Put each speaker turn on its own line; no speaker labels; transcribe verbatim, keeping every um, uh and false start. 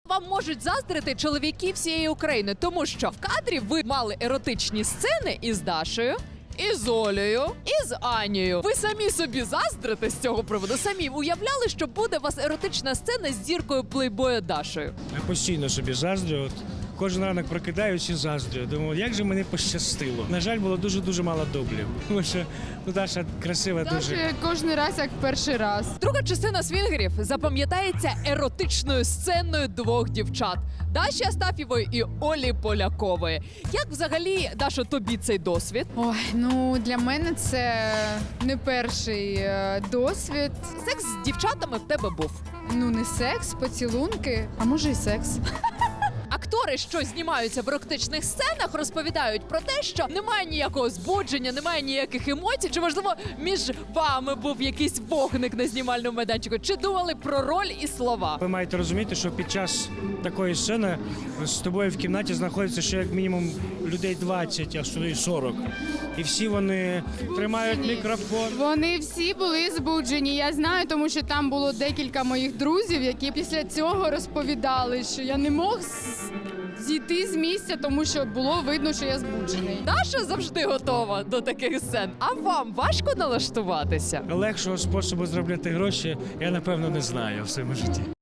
Вам можуть заздрити чоловіки всієї України, тому що в кадрі ви мали еротичні сцени із Дашею, із Олею, і з Анією. Ви самі собі заздрите з цього приводу? Самі уявляли, що буде у вас еротична сцена з зіркою плейбоя Дашею?
Я постійно собі заздрю. От кожен ранок прокидаюсь і заздрю. Думаю, як же мені пощастило. На жаль, було дуже-дуже мало дублів. Тому що ну, Даша красива дуже.
Даже кожен раз, як перший раз.
Друга частина «Свінгерів» запам'ятається еротичною сценою двох дівчат – Даші Астафєвої і Олі Полякової. Як взагалі, Дашо, тобі цей досвід?
Ой, ну для мене це не перший е, досвід.
Секс з дівчатами в тебе був.
Ну не секс, поцілунки, а може і секс.
Актори, що знімаються в еротичних сценах, розповідають про те, що немає ніякого збудження, немає ніяких емоцій. Чи, можливо, між вами був якийсь вогник на знімальному майданчику? Чи думали про роль і слова?
Ви маєте розуміти, що під час такої сцени з тобою в кімнаті знаходиться ще як мінімум людей двадцять, а що й сорок. І всі вони тримають мікрофон.
Вони всі були збуджені. Я знаю, тому що там було декілька моїх друзів, які після цього розповідали, що я не мог з- зійти з місця, тому що було видно, що я збуджений.
Даша завжди готова до таких сцен. А вам важко налаштуватися?
Легшого способу заробляти гроші я, напевно, не знаю в своєму житті.